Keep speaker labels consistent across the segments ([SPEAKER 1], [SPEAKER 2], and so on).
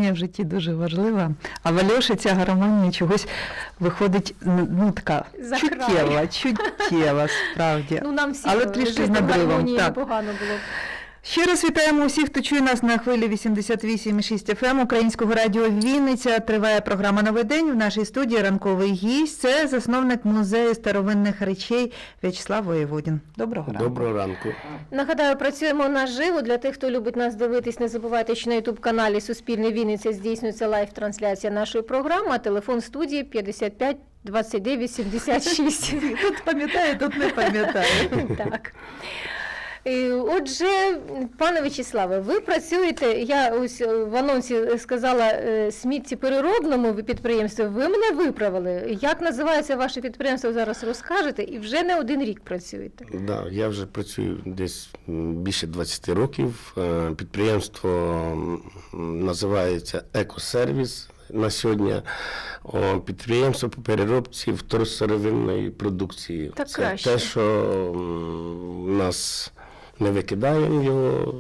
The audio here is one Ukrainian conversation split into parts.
[SPEAKER 1] гармонія в житті дуже важлива, а в Альоші ця гармонія чогось виходить, ну, така чуттєва, справді.
[SPEAKER 2] Ну, нам всім
[SPEAKER 1] але трішки з
[SPEAKER 2] жити в
[SPEAKER 1] надривом.
[SPEAKER 2] гармонії
[SPEAKER 1] Так.
[SPEAKER 2] непогано було б.
[SPEAKER 1] Ще раз вітаємо усіх, хто чує нас на хвилі 88,6 FM Українського радіо Вінниця. Триває програма «Новий день». В нашій студії ранковий гість – це засновник музею старовинних речей В'ячеслав Воєводін. Доброго ранку.
[SPEAKER 3] Доброго ранку.
[SPEAKER 2] Нагадаю, працюємо наживо. Для тих, хто любить нас дивитись, не забувайте, що на YouTube-каналі «Суспільне Вінниця» здійснюється лайв-трансляція нашої програми, а телефон студії 55 29 76.
[SPEAKER 1] Тут пам'ятає, тут не пам'ятає.
[SPEAKER 2] Так. Отже, пане В'ячеславе, ви працюєте, я ось в анонсі сказала, сміттєпереробному підприємстві, ви мене виправили. Як називається ваше підприємство, зараз розкажете, і вже не один рік працюєте.
[SPEAKER 3] Да, я вже працюю десь більше 20 років. Підприємство називається «Екосервіс». На сьогодні підприємство по переробці второсировинної продукції.
[SPEAKER 2] Так
[SPEAKER 3] це
[SPEAKER 2] краще.
[SPEAKER 3] те, що у нас не викидаємо його,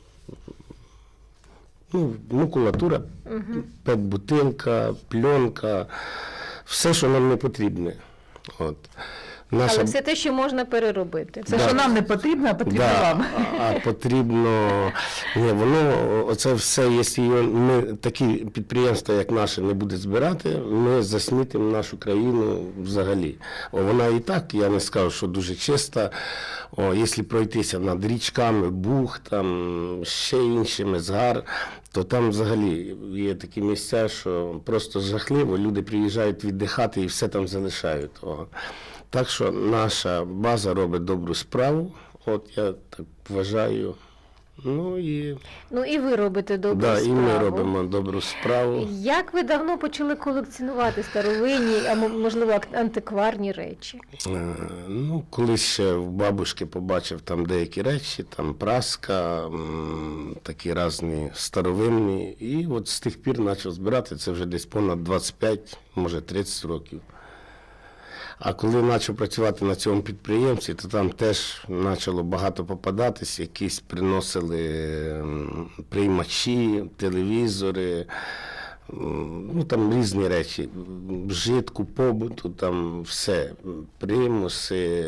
[SPEAKER 3] ну, макулатура, пет-бутилка, пленка, все, що нам не потрібне. От.
[SPEAKER 2] Але все те, що можна переробити.
[SPEAKER 1] Це, що нам не потрібно, а потрібно вам.
[SPEAKER 3] А потрібно, ні, воно, оце все, якщо ми такі підприємства, як наше, не буде збирати, ми засмітимо нашу країну взагалі. Вона і так, я не скажу, що дуже чиста. Якщо пройтися над річками, Буг, там, ще іншими, Згар, то там взагалі є такі місця, що просто жахливо, люди приїжджають віддихати і все там залишають. Так що наша база робить добру справу, от я так вважаю. Ну і
[SPEAKER 2] ви робите добру справу.
[SPEAKER 3] І ми робимо добру справу.
[SPEAKER 2] Як ви давно почали колекціонувати старовинні, а можливо антикварні речі?
[SPEAKER 3] Ну, колись ще в бабушки побачив там деякі речі, там праска, такі різні старовинні. І от з тих пір почав збирати, це вже десь понад 25, може 30 років. А коли почав працювати на цьому підприємстві, то там теж почало багато попадатись, якісь приносили приймачі, телевізори, ну там різні речі, вжитку, побуту, там все, примуси,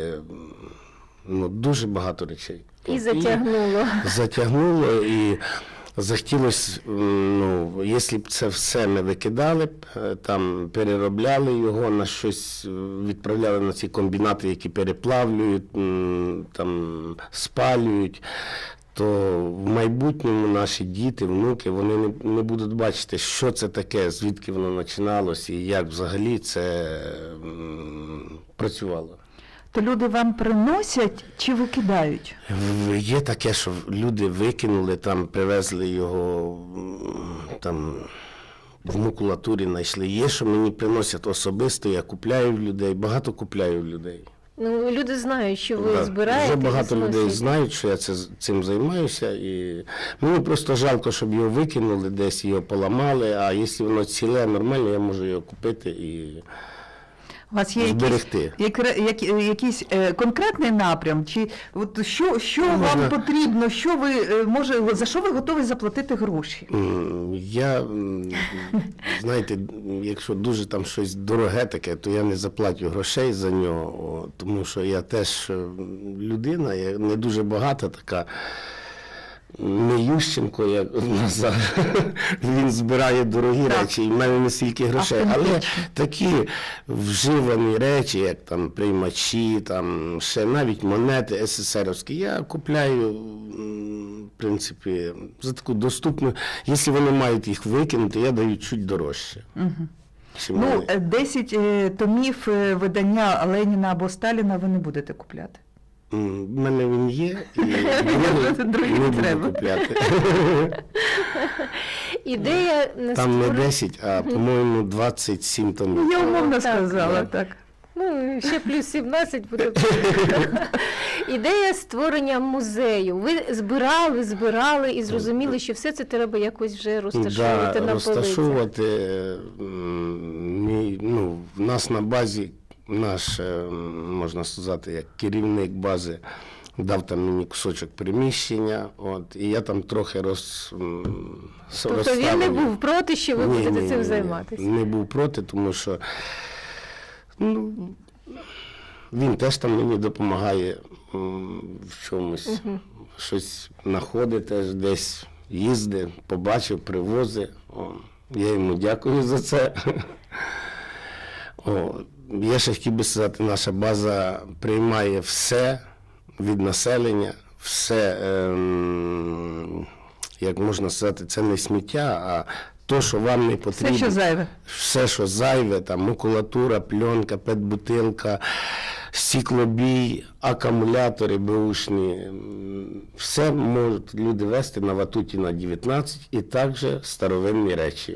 [SPEAKER 3] ну дуже багато речей.
[SPEAKER 2] І затягнуло.
[SPEAKER 3] Затягнуло і захотілося, ну, якщо б це все ми викидали б, там переробляли його на щось, відправляли на ці комбінати, які переплавлюють, там спалюють, то в майбутньому наші діти, внуки, вони не будуть бачити, що це таке, звідки воно починалося і як взагалі це працювало.
[SPEAKER 1] То люди вам приносять чи викидають?
[SPEAKER 3] Є таке, що люди викинули, там привезли його, там в макулатурі знайшли. Є, що мені приносять особисто, я купляю в людей, багато купляю в людей.
[SPEAKER 2] Ну, люди знають, що ви збираєте.
[SPEAKER 3] Вже багато людей знають, що я цим займаюся. І мені просто жалко, щоб його викинули, десь його поламали, а якщо воно ціле, нормально, я можу його купити і
[SPEAKER 1] у вас є якийсь конкретний напрям? Чи от що вам потрібно, за що ви готові заплатити гроші?
[SPEAKER 3] Я, знаєте, якщо дуже там щось дороге таке, то я не заплатю грошей за нього, тому що я теж людина, я не дуже багата така. Не Ющенко, як Назар, він збирає дорогі речі, і в мене не стільки грошей. Але такі вживані речі, як там приймачі, там ще навіть монети СССРівські, я купляю, в принципі, за таку доступну. Якщо вони мають їх викинути, я даю чуть дорожче.
[SPEAKER 1] Ну, 10 томів видання Леніна або Сталіна ви не будете купляти?
[SPEAKER 3] У мене він є, і не буду купляти.
[SPEAKER 2] Ідея
[SPEAKER 3] там не 10, а, по-моєму, 27 томів.
[SPEAKER 1] Я умовно сказала, так.
[SPEAKER 2] Ну, ще плюс 17 буде. Ідея створення музею. Ви збирали і зрозуміли, що все це треба якось вже розташовувати на полицях.
[SPEAKER 3] Розташовувати, ну, в нас на базі, наш, можна сказати, як керівник бази дав там мені кусочок приміщення, і я там трохи
[SPEAKER 2] Тобто він не був проти, що ви будете цим займатися?
[SPEAKER 3] Не був проти, тому що він теж там мені допомагає в чомусь, щось знаходить теж десь, їздить, побачив, привозить. Я йому дякую за це. Я ще хотів би сказати, наша база приймає все від населення, все, як можна сказати, це не сміття, а то, що вам не потрібно.
[SPEAKER 1] Все, що зайве.
[SPEAKER 3] Все, що зайве, там макулатура, пленка, пет-бутилка, стеклобій, акумулятори беушні. Все можуть люди вести на Ватуті на 19 і також старовинні речі.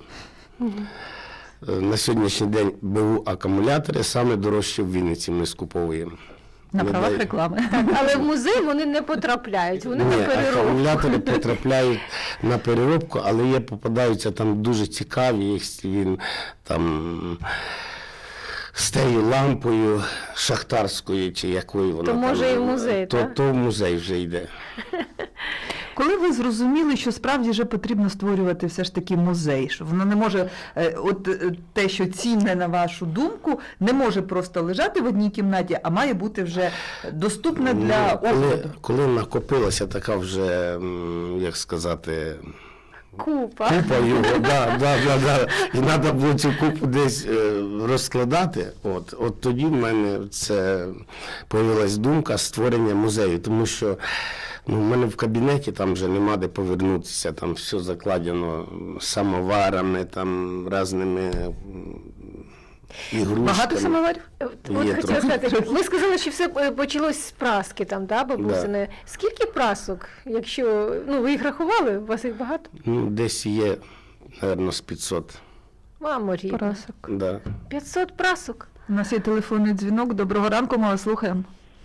[SPEAKER 3] На сьогоднішній день БУ акумулятори саме дорожчі в Вінниці ми скуповуємо.
[SPEAKER 1] На правах реклами.
[SPEAKER 2] Але в музей вони не потрапляють, вони на
[SPEAKER 3] Ні,
[SPEAKER 2] переробку.
[SPEAKER 3] акумулятори потрапляють на переробку, але є, попадаються там дуже цікаві, він там з тією лампою шахтарською, чи якою вона
[SPEAKER 2] То
[SPEAKER 3] там.
[SPEAKER 2] може і в музей, так?
[SPEAKER 3] То в музей вже йде.
[SPEAKER 1] Коли ви зрозуміли, що справді вже потрібно створювати все ж таки музей, що воно не може, те, що цінне на вашу думку, не може просто лежати в одній кімнаті, а має бути вже доступне для огляду?
[SPEAKER 3] Коли накопилася така вже, як сказати,
[SPEAKER 2] Купа.
[SPEAKER 3] купа його, да. І треба було цю купу десь розкладати. От тоді в мене це появилась думка створення музею, тому що в мене в кабінеті там вже нема де повернутися, там все закладено самоварами, там різними ігрушками.
[SPEAKER 1] Багато самоварів?
[SPEAKER 2] От
[SPEAKER 3] Є
[SPEAKER 2] хотіла
[SPEAKER 3] трохи.
[SPEAKER 2] сказати, ви сказали, що все почалось з праски там, да, бабусини? Скільки прасок, якщо, ви їх рахували, у вас їх багато?
[SPEAKER 3] Десь є, мабуть, з 500.
[SPEAKER 2] Мамо рідна.
[SPEAKER 1] Прасок.
[SPEAKER 3] Да.
[SPEAKER 2] 500 прасок?
[SPEAKER 1] У нас є телефонний дзвінок. Доброго ранку, ми вас слухаємо.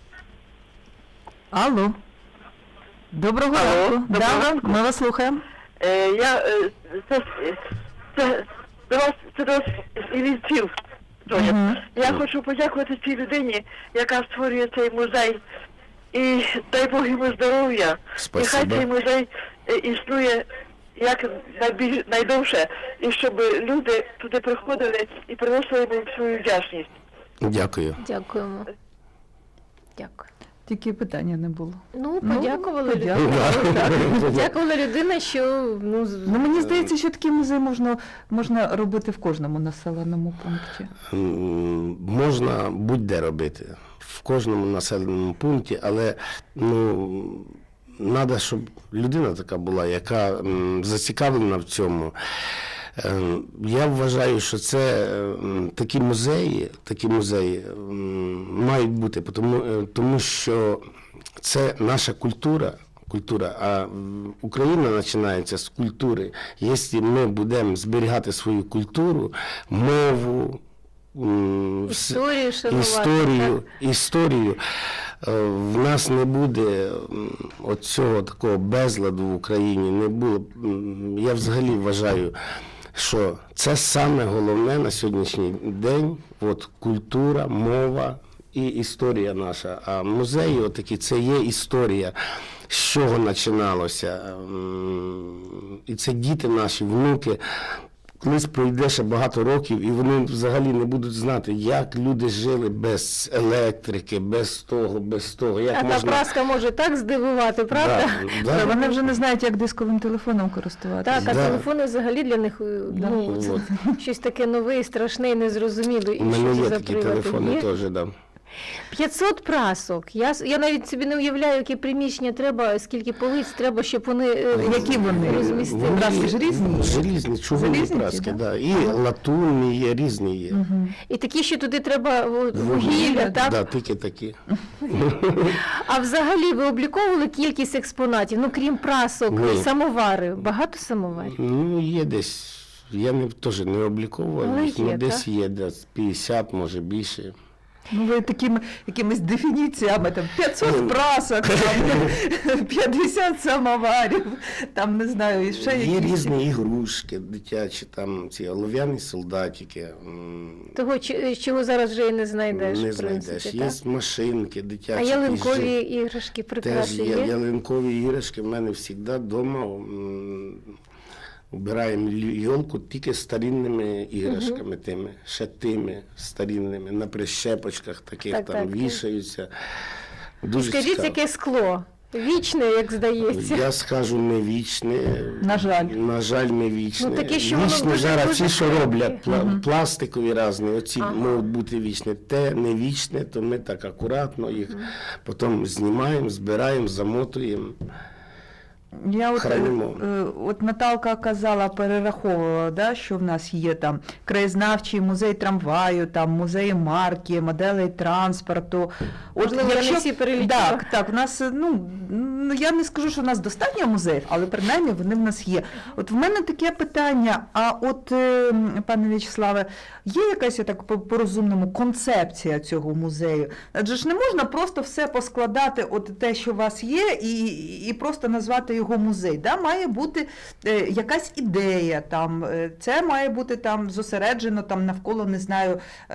[SPEAKER 1] Алло. Доброго ранку.
[SPEAKER 4] Доброго ранку.
[SPEAKER 1] Ми вас слухаємо.
[SPEAKER 4] Це до вас із Вінців. Тоня.
[SPEAKER 1] Мгм.
[SPEAKER 4] Я хочу подякувати цій людині, яка створює цей музей. І дай Бог йому здоров'я.
[SPEAKER 3] Спасибо.
[SPEAKER 4] І хай цей музей існує як найдовше, і щоб люди туди приходили і приносили їм свою вдячність.
[SPEAKER 3] Дякую.
[SPEAKER 2] Дякуємо. Дякую.
[SPEAKER 1] Тільки питання не було.
[SPEAKER 2] Подякували
[SPEAKER 1] подякували, так.
[SPEAKER 2] Подякувала людина, що,
[SPEAKER 1] Мені здається, що такий музей можна робити в кожному населеному пункті.
[SPEAKER 3] Можна будь-де робити, в кожному населеному пункті, але треба, щоб людина така була, яка зацікавлена в цьому. Я вважаю, що це такі музеї мають бути, тому що це наша культура, а Україна починається з культури. Якщо ми будемо зберігати свою культуру, мову,
[SPEAKER 2] історію шанувати.
[SPEAKER 3] Історію, в нас не буде оцього такого безладу в Україні, не було. Я взагалі вважаю, що це саме головне на сьогоднішній день, культура, мова і історія наша. А музеї отакі, це є історія, з чого починалося. І це діти наші, внуки. Колись пройде ще багато років, і вони взагалі не будуть знати, як люди жили без електрики, без того. Як
[SPEAKER 2] А
[SPEAKER 3] можна...
[SPEAKER 2] та праска може так здивувати, правда?
[SPEAKER 3] Да.
[SPEAKER 1] Вони вже не знають, як дисковим телефоном користуватися.
[SPEAKER 2] Так, а
[SPEAKER 3] Да.
[SPEAKER 2] телефони взагалі для них щось таке нове, і страшне і незрозуміле.
[SPEAKER 3] У
[SPEAKER 2] І що
[SPEAKER 3] мене
[SPEAKER 2] це
[SPEAKER 3] є
[SPEAKER 2] за
[SPEAKER 3] такі
[SPEAKER 2] прилади?
[SPEAKER 3] телефони
[SPEAKER 2] Є?
[SPEAKER 3] теж, да.
[SPEAKER 2] 500 прасок. Я навіть собі не уявляю, які приміщення треба, скільки полиць треба, щоб вони
[SPEAKER 1] Які вони?
[SPEAKER 2] розмістили.
[SPEAKER 3] Вони
[SPEAKER 1] Праски ж різні?
[SPEAKER 3] Різні, чугунні
[SPEAKER 1] Залізні ті,
[SPEAKER 3] праски,
[SPEAKER 1] да?
[SPEAKER 3] да. І латунні є, різні є.
[SPEAKER 2] І такі, що туди треба вугілля, так?
[SPEAKER 3] Да, тільки такі.
[SPEAKER 2] А взагалі ви обліковували кількість експонатів, крім прасок,
[SPEAKER 3] Ні.
[SPEAKER 2] самовари, багато самоварів?
[SPEAKER 3] Є десь, я теж не обліковував,
[SPEAKER 2] Але
[SPEAKER 3] їх,
[SPEAKER 2] є,
[SPEAKER 3] десь
[SPEAKER 2] так?
[SPEAKER 3] є, десь 50, може більше.
[SPEAKER 1] Ну, ви такими якимись дефініціями, там 500 прасок, там 50 самоварів, там, не знаю, і ще
[SPEAKER 3] Є
[SPEAKER 1] якісь.
[SPEAKER 3] різні ігрушки дитячі, там ці олов'яні солдатики.
[SPEAKER 2] Того, чого зараз вже і не знайдеш.
[SPEAKER 3] Не
[SPEAKER 2] в принципі,
[SPEAKER 3] знайдеш.
[SPEAKER 2] так?
[SPEAKER 3] Є машинки дитячі.
[SPEAKER 2] А ялинкові
[SPEAKER 3] які
[SPEAKER 2] іграшки
[SPEAKER 3] теж
[SPEAKER 2] прикраси
[SPEAKER 3] є.
[SPEAKER 2] є?
[SPEAKER 3] Ялинкові іграшки в мене завжди вдома. Убираємо йолку тільки старинними іграшками тими, ще тими старинними, на прищепочках таких
[SPEAKER 2] Так,
[SPEAKER 3] там
[SPEAKER 2] так.
[SPEAKER 3] вішаються. Дуже
[SPEAKER 2] Скажіть,
[SPEAKER 3] цікаво.
[SPEAKER 2] яке скло? Вічне, як здається.
[SPEAKER 3] Я скажу, не вічне.
[SPEAKER 1] На жаль.
[SPEAKER 3] На жаль, не вічне.
[SPEAKER 2] Ну, таке, що воно
[SPEAKER 3] Вічне
[SPEAKER 2] дуже-
[SPEAKER 3] зараз
[SPEAKER 2] дуже
[SPEAKER 3] ті, що
[SPEAKER 2] крихке.
[SPEAKER 3] роблять, пластикові різні, оці
[SPEAKER 2] Ага.
[SPEAKER 3] можуть бути вічні. Те не вічне, то ми так акуратно їх потім знімаємо, збираємо, замотуємо.
[SPEAKER 1] Я
[SPEAKER 3] Хранимо.
[SPEAKER 1] от Наталка казала, перераховувала, да, що в нас є там краєзнавчий музей трамваю, там музеї марки, моделей транспорту.
[SPEAKER 2] Можливо, я не всі перелічила.
[SPEAKER 1] Так, у нас, я не скажу, що у нас достатньо музеїв, але принаймні вони в нас є. От в мене таке питання, а от, пане В'ячеславе, є якась, я так по-розумному, концепція цього музею? Адже ж не можна просто все поскладати, от те, що у вас є, і просто назвати його музей. Да? Має бути якась ідея, там, це має бути там зосереджено там, навколо, не знаю,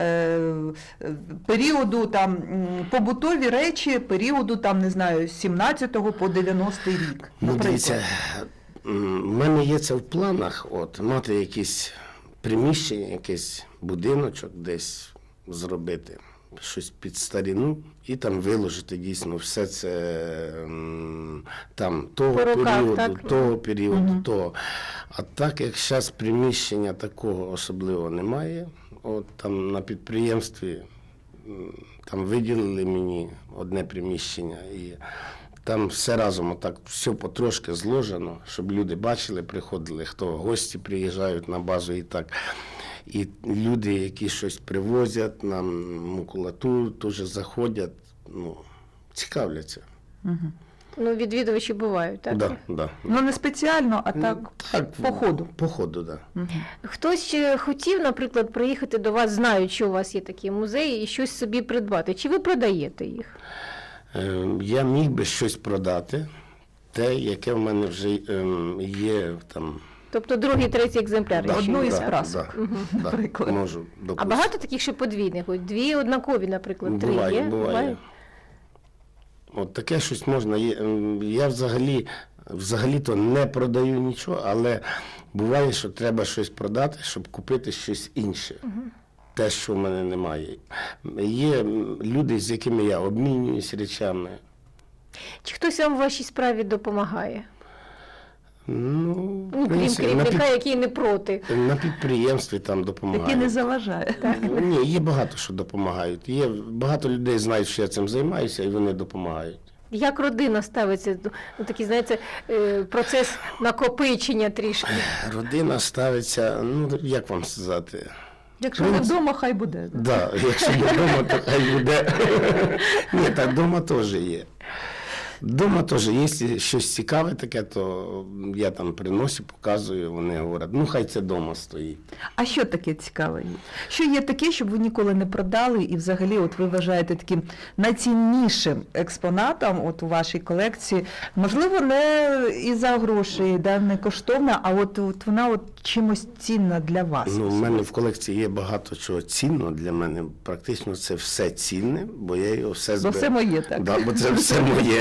[SPEAKER 1] періоду там, побутові речі, періоду там, не знаю, з 17-го по 90-й рік.
[SPEAKER 3] Ну,
[SPEAKER 1] наприклад.
[SPEAKER 3] дивіться, в мене є це в планах, от, мати якісь приміщення, якийсь будиночок десь зробити, щось під старину, і там виложити дійсно все це там того
[SPEAKER 2] По руках,
[SPEAKER 3] періоду,
[SPEAKER 2] так?
[SPEAKER 3] того періоду, того. А так як зараз приміщення такого особливо немає, от там на підприємстві там виділили мені одне приміщення, і там все разом отак, все потрошки зложено, щоб люди бачили, приходили, хто гості приїжджають на базу і так. І люди, які щось привозять, нам макулатуру теж заходять, ну, цікавляться.
[SPEAKER 2] Ну, відвідувачі бувають, так?
[SPEAKER 3] Да.
[SPEAKER 1] Ну, не спеціально, а так, по ходу.
[SPEAKER 3] По ходу, так. Да.
[SPEAKER 2] Хтось ще хотів, наприклад, приїхати до вас, знають, що у вас є такі музеї, і щось собі придбати. Чи ви продаєте їх?
[SPEAKER 3] Я міг би щось продати, те, яке в мене вже є там.
[SPEAKER 2] Тобто другий, третій екземпляр.
[SPEAKER 3] Да,
[SPEAKER 2] якщо
[SPEAKER 1] одну
[SPEAKER 2] є,
[SPEAKER 1] із
[SPEAKER 2] так?
[SPEAKER 1] прасок,
[SPEAKER 3] да,
[SPEAKER 1] наприклад.
[SPEAKER 3] можу
[SPEAKER 2] А
[SPEAKER 3] допустити.
[SPEAKER 2] багато таких ще подвійних? Ось дві однакові, наприклад, три
[SPEAKER 3] Буває,
[SPEAKER 2] є?
[SPEAKER 3] буває. От таке щось можна. Я взагалі-то не продаю нічого, але буває, що треба щось продати, щоб купити щось інше. Те, що в мене немає. Є люди, з якими я обмінююсь речами.
[SPEAKER 2] Чи хтось вам в вашій справі допомагає?
[SPEAKER 3] Ну,
[SPEAKER 2] Ну, крім керівника, який не проти.
[SPEAKER 3] на підприємстві там допомагають.
[SPEAKER 1] Який не заважає.
[SPEAKER 3] Ні, є багато що допомагають. Є багато людей знають, що я цим займаюся, і вони допомагають.
[SPEAKER 2] Як родина ставиться до такий, знаєте, процес накопичення трішки?
[SPEAKER 3] Родина ставиться, ну як вам сказати?
[SPEAKER 1] Якщо не вдома, хай буде.
[SPEAKER 3] Да, якщо не вдома, то хай буде. Ні, так вдома теж є. Вдома теж, якщо щось цікаве таке, то я там приношу, показую, вони говорять, ну хай це вдома стоїть.
[SPEAKER 1] А що таке цікаве є? Що є таке, щоб ви ніколи не продали, і взагалі от ви вважаєте таким найціннішим експонатом от у вашій колекції? Можливо, не із-за грошей, да, не коштовна, а от вона от чимось цінна для вас.
[SPEAKER 3] Ну, в мене в колекції є багато чого цінного для мене. Практично це все цінне, бо я його все
[SPEAKER 1] Бо
[SPEAKER 3] збираю.
[SPEAKER 1] все моє, так?
[SPEAKER 3] Да, бо це все моє.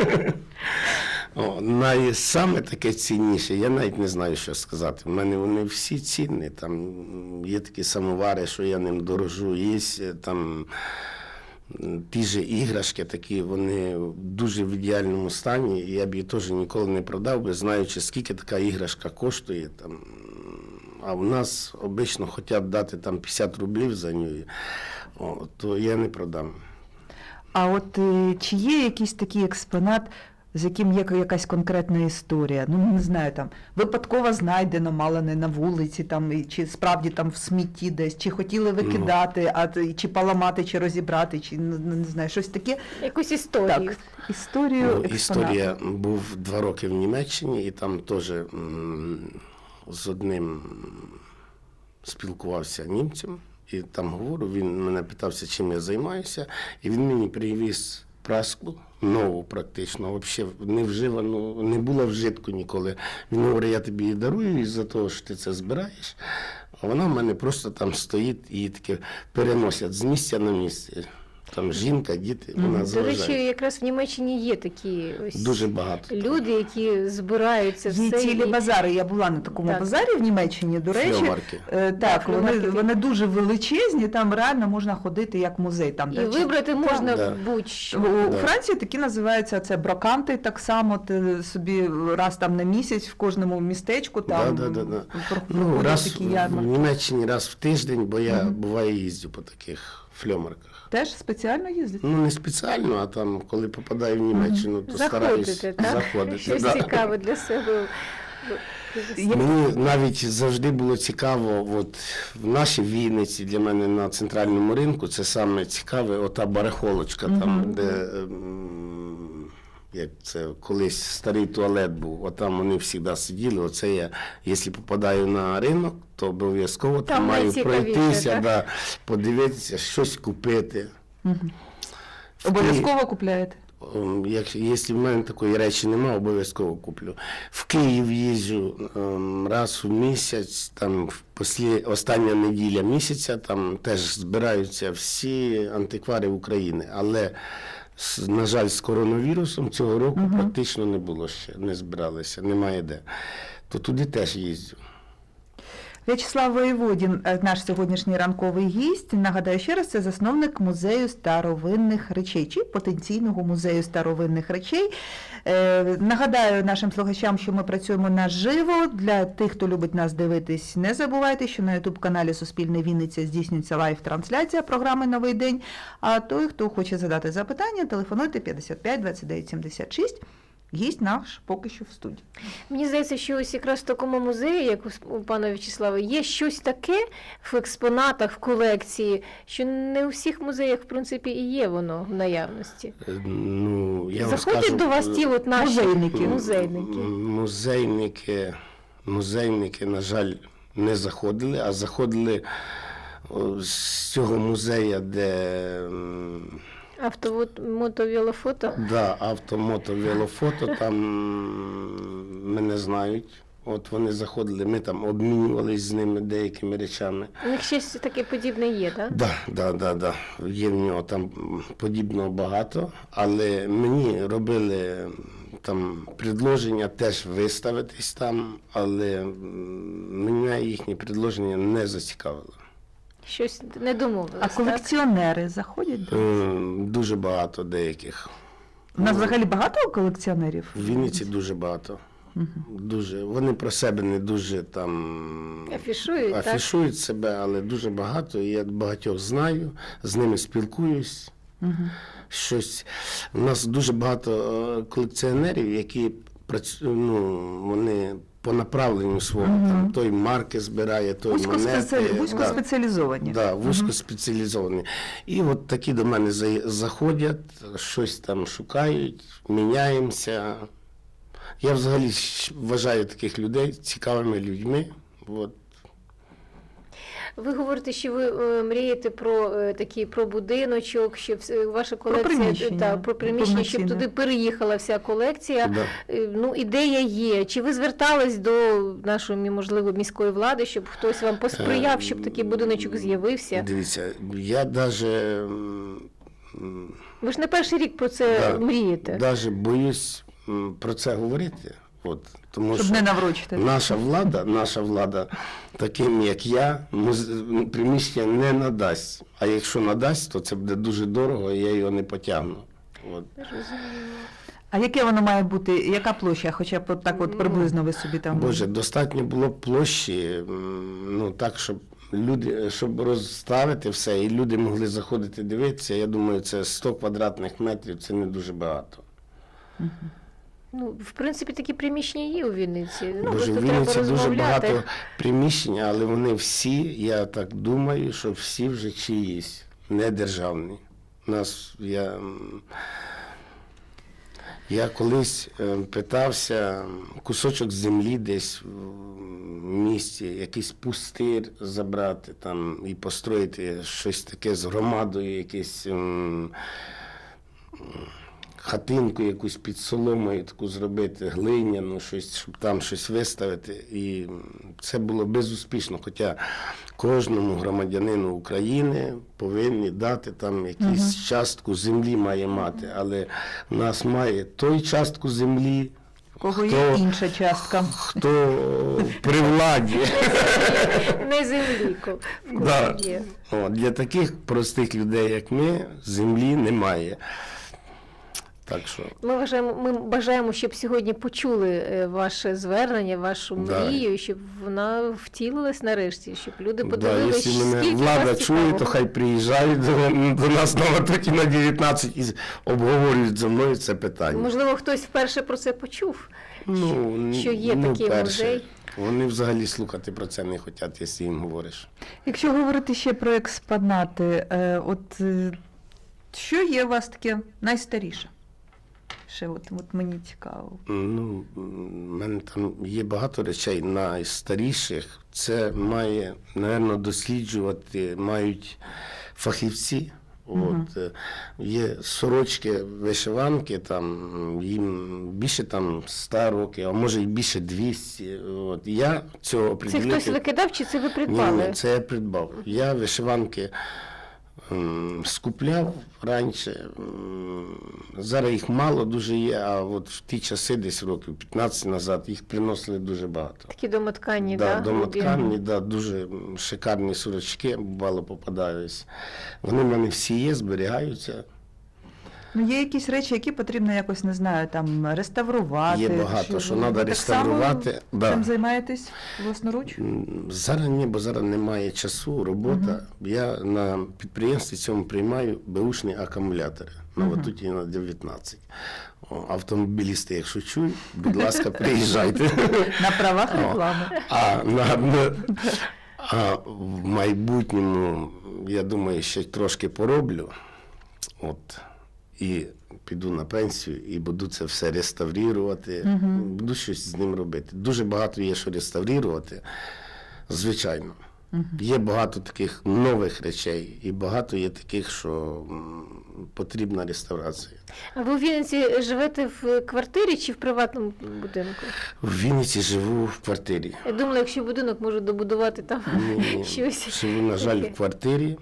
[SPEAKER 3] Найсаме таке цінніше, я навіть не знаю, що сказати. У мене вони всі цінні. Там є такі самовари, що я ним дорожу, є там ті ж іграшки такі, вони дуже в ідеальному стані, і я б її теж ніколи не продав би, знаючи, скільки така іграшка коштує. Там. А в нас обично хочуть дати там 50 рублів за неї, то я не продам.
[SPEAKER 1] А от чи є якийсь такий експонат, з яким є якась конкретна історія? Ну, не знаю, там, випадково знайдено, мало не на вулиці, там, чи справді там в смітті десь, чи хотіли викидати, чи поламати, чи розібрати, чи, не знаю, щось таке.
[SPEAKER 2] Якусь історію.
[SPEAKER 1] Так, історію експонату.
[SPEAKER 3] Історія був 2 роки в Німеччині, і там теж з одним спілкувався німцем, і там говорю, він мене питався, чим я займаюся, і він мені привіз праску, нову практично, взагалі не вживану, не була вжитку ніколи. Він говорить, я тобі її дарую із-за того, що ти це збираєш, а вона в мене просто там стоїть і таке переносять з місця на місце. Там жінка, діти, вона
[SPEAKER 2] До
[SPEAKER 3] заважає.
[SPEAKER 2] речі, якраз в Німеччині є такі ось
[SPEAKER 3] Дуже багато.
[SPEAKER 2] люди, які збираються
[SPEAKER 1] Є
[SPEAKER 2] все.
[SPEAKER 1] цілі базари. Я була на такому
[SPEAKER 2] Так.
[SPEAKER 1] базарі в Німеччині, до речі.
[SPEAKER 3] Флеомарки.
[SPEAKER 1] Так,
[SPEAKER 2] флеомаркети.
[SPEAKER 1] вони дуже величезні, там реально можна ходити як музей. Там,
[SPEAKER 2] І
[SPEAKER 1] де-
[SPEAKER 2] вибрати можна
[SPEAKER 3] Да.
[SPEAKER 2] будь-що.
[SPEAKER 1] У
[SPEAKER 3] Да.
[SPEAKER 1] Франції такі називаються це броканти, так само ти собі раз там на місяць в кожному містечку там
[SPEAKER 3] Да. Ну,
[SPEAKER 1] проходять
[SPEAKER 3] раз
[SPEAKER 1] такі
[SPEAKER 3] в
[SPEAKER 1] ярмарки.
[SPEAKER 3] Німеччині раз в тиждень, бо я буває їздю по таких фльомарках.
[SPEAKER 1] Теж спеціально їздять?
[SPEAKER 3] Ну, не спеціально, а там, коли попадаю в Німеччину, то стараюсь
[SPEAKER 2] Заходите, так?
[SPEAKER 3] заходити.
[SPEAKER 2] Щось
[SPEAKER 3] да.
[SPEAKER 2] цікаве для себе.
[SPEAKER 3] Мені навіть завжди було цікаво, от в нашій Вінниці, для мене на центральному ринку, це саме цікаве, ота барахолочка, там, де як це колись старий туалет був, отам вони завжди сиділи. Оце я, якщо попадаю на ринок, то обов'язково там
[SPEAKER 2] Там
[SPEAKER 3] маю
[SPEAKER 2] найцікавіше,
[SPEAKER 3] пройтися,
[SPEAKER 2] так?
[SPEAKER 3] да, подивитися, щось купити. В
[SPEAKER 1] Обов'язково купляєте?
[SPEAKER 3] Якщо в мене такої речі немає, обов'язково куплю. В Київ їжджу раз у місяць, там остання неділя місяця, там теж збираються всі антиквари України. Але, на жаль, з коронавірусом цього року практично не було ще, не збиралися, немає де. То туди теж їздю.
[SPEAKER 1] В'ячеслав Воєводін, наш сьогоднішній ранковий гість. Нагадаю ще раз, це засновник музею старовинних речей, чи потенційного музею старовинних речей. Нагадаю нашим слухачам, що ми працюємо наживо. Для тих, хто любить нас дивитись, не забувайте, що на YouTube-каналі Суспільне Вінниця здійснюється лайв-трансляція програми «Новий день». А той, хто хоче задати запитання, телефонуйте 55 29 76. Гість наш поки що в студії.
[SPEAKER 2] Мені здається, що ось якраз в такому музеї, як у пана В'ячеслава, є щось таке в експонатах, в колекції, що не у всіх музеях, в принципі, і є воно в наявності.
[SPEAKER 3] Ну, я вам
[SPEAKER 2] Заходять
[SPEAKER 3] скажу,
[SPEAKER 2] до вас ті от наші
[SPEAKER 1] Музейники.
[SPEAKER 3] Музейники, на жаль, не заходили, а заходили з цього музею, де
[SPEAKER 2] Мотовілофото.
[SPEAKER 3] да, авто-мото, велофото, там мене знають. От вони заходили, ми там обмінювалися з ними деякими речами.
[SPEAKER 2] У них щось таке подібне є, так?
[SPEAKER 3] Да. Є в нього там подібного багато, але мені робили там предложення теж виставитись там, але мене їхні предложення не зацікавило.
[SPEAKER 2] Щось не домовились,
[SPEAKER 1] А
[SPEAKER 2] так?
[SPEAKER 1] колекціонери заходять?
[SPEAKER 3] Дуже багато деяких.
[SPEAKER 1] У нас взагалі багато колекціонерів?
[SPEAKER 3] В Вінниці дуже багато. Дуже. Вони про себе не дуже там
[SPEAKER 2] Афішують,
[SPEAKER 3] себе, але дуже багато. І я багатьох знаю, з ними спілкуюсь. Щось. У нас дуже багато колекціонерів, які вони по направленню свого. Там, той марки збирає, той монети.
[SPEAKER 1] Вузькоспеціалізовані.
[SPEAKER 3] Да, вузькоспеціалізовані. І от такі до мене заходять, щось там шукають, міняємося. Я взагалі вважаю таких людей цікавими людьми. От.
[SPEAKER 2] Ви говорите, що ви мрієте про будиночок, щоб ваша колекція
[SPEAKER 1] приміщення.
[SPEAKER 2] про приміщення, щоб туди переїхала вся колекція.
[SPEAKER 3] Да.
[SPEAKER 2] Ну, ідея є. Чи ви звертались до нашої, можливо, міської влади, щоб хтось вам посприяв, щоб такий будиночок з'явився?
[SPEAKER 3] Дивіться, я навіть
[SPEAKER 2] Ви ж не перший рік про це мрієте.
[SPEAKER 3] навіть боюсь про це говорити. От, тому
[SPEAKER 1] Щоб
[SPEAKER 3] що
[SPEAKER 1] не наврочити.
[SPEAKER 3] наша влада, таким як я, приміщення не надасть. А якщо надасть, то це буде дуже дорого, і я його не потягну. От.
[SPEAKER 1] А яке воно має бути, яка площа, хоча б так от приблизно ви собі там...
[SPEAKER 3] Боже, достатньо було б площі, так, щоб люди, щоб розставити все, і люди могли заходити дивитися. Я думаю, це 100 квадратних метрів, це не дуже багато.
[SPEAKER 2] Ну, в принципі, такі приміщення є у Вінниці.
[SPEAKER 3] Боже,
[SPEAKER 2] Просто
[SPEAKER 3] в
[SPEAKER 2] треба
[SPEAKER 3] Вінниці дуже
[SPEAKER 2] розмовляти.
[SPEAKER 3] багато приміщень, але вони всі, я так думаю, що всі вже чиїсь, не державні. Я колись питався кусочок землі десь в місті, якийсь пустир забрати там і построїти щось таке з громадою, якесь хатинку якусь під соломою таку зробити, глиняну, щось, щоб там щось виставити. І це було безуспішно, хоча кожному громадянину України повинні дати там якусь частку землі має мати, але в нас має той частку землі,
[SPEAKER 1] У кого є інша частка.
[SPEAKER 3] хто при владі.
[SPEAKER 2] Не землі, в кого
[SPEAKER 3] Да.
[SPEAKER 2] є.
[SPEAKER 3] От, для таких простих людей, як ми, землі немає. Так що
[SPEAKER 2] Ми бажаємо, щоб сьогодні почули ваше звернення, вашу
[SPEAKER 3] Да.
[SPEAKER 2] мрію, щоб вона втілилась нарешті, щоб люди
[SPEAKER 3] да,
[SPEAKER 2] подивилися,
[SPEAKER 3] якщо мене
[SPEAKER 2] скільки
[SPEAKER 3] влада
[SPEAKER 2] вас
[SPEAKER 3] чує,
[SPEAKER 2] цікавого.
[SPEAKER 3] то хай приїжджають до нас на Латоті на 19 і обговорюють зі мною це питання.
[SPEAKER 2] Можливо, хтось вперше про це почув, що є
[SPEAKER 3] не
[SPEAKER 2] такий
[SPEAKER 3] вперше.
[SPEAKER 2] музей.
[SPEAKER 3] Вони взагалі слухати про це не хочуть, якщо їм говориш.
[SPEAKER 1] Якщо говорити ще про експонати, що є у вас таке найстаріше? Ще от мені цікаво.
[SPEAKER 3] Ну, в мене там є багато речей найстаріших. Це має, напевно, досліджувати мають фахівці. От, є сорочки, вишиванки, там, їм більше там 100 років, а може і більше 200. От. Я цього
[SPEAKER 2] Це
[SPEAKER 3] определити...
[SPEAKER 2] хтось викидав чи це ви придбали?
[SPEAKER 3] Ні, це я придбав. Я вишиванки скупляв раніше. Зараз їх мало дуже є, а от в ті часи, десь років 15 назад, їх приносили дуже багато.
[SPEAKER 2] Такі домотканні,
[SPEAKER 3] Да,
[SPEAKER 2] да?
[SPEAKER 3] домоткані, да, дуже шикарні сорочки, бувало попадаюсь. Вони в мене всі є, зберігаються.
[SPEAKER 1] Ну, є якісь речі, які потрібно якось, не знаю, там реставрувати.
[SPEAKER 3] Є багато, що треба
[SPEAKER 1] ви
[SPEAKER 3] реставрувати.
[SPEAKER 1] Так
[SPEAKER 3] Да.
[SPEAKER 1] само цим займаєтесь власноруч?
[SPEAKER 3] Зараз ні, бо зараз немає часу, робота. Я на підприємстві цьому приймаю беушні акумулятори. На Ватуті на 19. Автомобілісти, якщо чують, будь ласка, приїжджайте.
[SPEAKER 1] На правах реклами.
[SPEAKER 3] А в майбутньому, я думаю, ще трошки пороблю. От. І піду на пенсію і буду це все реставрувати, буду щось з ним робити. Дуже багато є, що реставрувати, звичайно. Є багато таких нових речей і багато є таких, що потрібна реставрація.
[SPEAKER 2] А ви у Вінниці живете в квартирі чи в приватному будинку?
[SPEAKER 3] В Вінниці живу в квартирі.
[SPEAKER 2] Я думала, якщо будинок може добудувати там
[SPEAKER 3] Ні,
[SPEAKER 2] щось.
[SPEAKER 3] живу, на жаль,
[SPEAKER 2] таке.
[SPEAKER 3] в квартирі.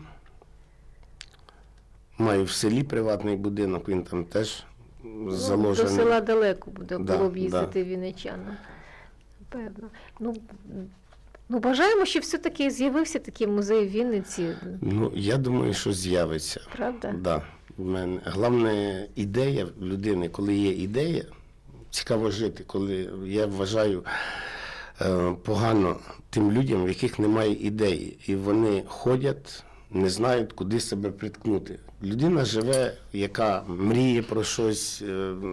[SPEAKER 3] Маю в селі приватний будинок, він там теж заложений.
[SPEAKER 2] До села далеко буде,
[SPEAKER 3] Да,
[SPEAKER 2] було б їздити вінничанам. Напевно. Ну, бажаємо, щоб все-таки з'явився такий музей в Вінниці,
[SPEAKER 3] Ну, я думаю, що з'явиться.
[SPEAKER 2] правда?
[SPEAKER 3] Да. В мене головне ідея в людини, коли є ідея, цікаво жити, коли я вважаю погано тим людям, в яких немає ідеї, і вони ходять, не знають, куди себе приткнути. Людина живе, яка мріє про щось,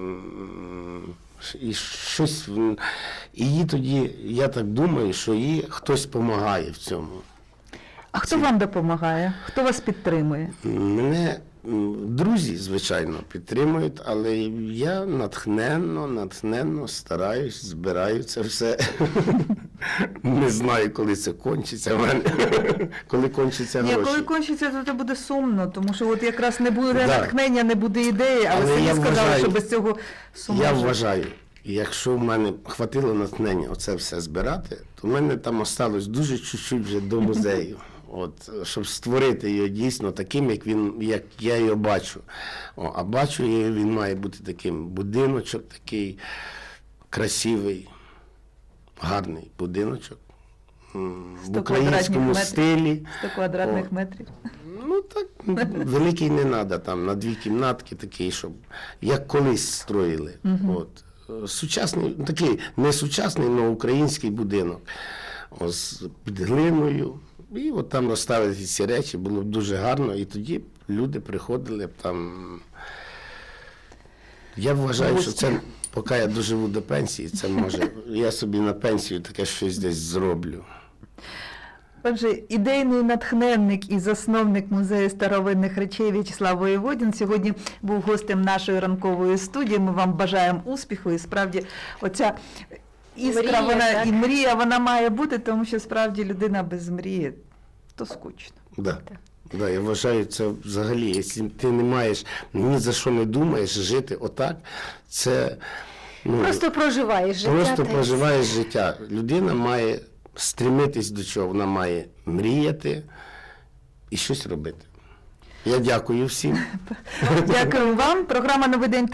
[SPEAKER 3] і щось, і їй тоді, я так думаю, що їй хтось допомагає в цьому.
[SPEAKER 1] А хто вам допомагає? Хто вас підтримує?
[SPEAKER 3] Мене друзі, звичайно, підтримують, але я натхненно стараюсь, збираю це все. Не знаю, коли це кончиться в мене, коли кончаться
[SPEAKER 1] Ні,
[SPEAKER 3] гроші.
[SPEAKER 1] коли кончиться, то це буде сумно, тому що от якраз не буде
[SPEAKER 3] Да.
[SPEAKER 1] натхнення, не буде ідеї, але
[SPEAKER 3] Але
[SPEAKER 1] самі
[SPEAKER 3] я
[SPEAKER 1] сказали,
[SPEAKER 3] вважаю-
[SPEAKER 1] що без цього сумно.
[SPEAKER 3] Я
[SPEAKER 1] жити.
[SPEAKER 3] вважаю, якщо в мене хватило натхнення оце все збирати, то в мене там осталось дуже чуть-чуть вже до музею. От, щоб створити його дійсно таким, як я його бачу. А бачу я, він має бути таким будиночок, такий красивий, гарний будиночок. В
[SPEAKER 1] 100
[SPEAKER 3] українському
[SPEAKER 1] квадратних метрів.
[SPEAKER 3] стилі.
[SPEAKER 1] 100 квадратних
[SPEAKER 3] О.
[SPEAKER 1] метрів.
[SPEAKER 3] Ну так, великий не треба, там на 2 кімнатки такий, щоб як колись строїли. От. Сучасний, такий не сучасний, але український будинок. Ось під глиною. І от там розставити ці речі, було б дуже гарно, і тоді б люди приходили б там. Я вважаю, що це, поки я доживу до пенсії, це може, я собі на пенсію таке щось десь зроблю.
[SPEAKER 1] Отже, ідейний натхненник і засновник музею старовинних речей В'ячеслав Воєводін сьогодні був гостем нашої ранкової студії. Ми вам бажаємо успіху, і справді оця іскра,
[SPEAKER 2] Мрія,
[SPEAKER 1] вона
[SPEAKER 2] так?
[SPEAKER 1] і мрія, вона має бути, тому що справді людина без мрії то скучно.
[SPEAKER 3] Да. Да, я вважаю, це взагалі, якщо ти не маєш, ні за що не думаєш, жити отак, це
[SPEAKER 2] Просто проживаєш життя.
[SPEAKER 3] просто
[SPEAKER 2] та й
[SPEAKER 3] проживаєш життя. Людина має стремитись до чого, вона має мріяти і щось робити. Я дякую всім.
[SPEAKER 1] Дякую вам. Програма «Новий день»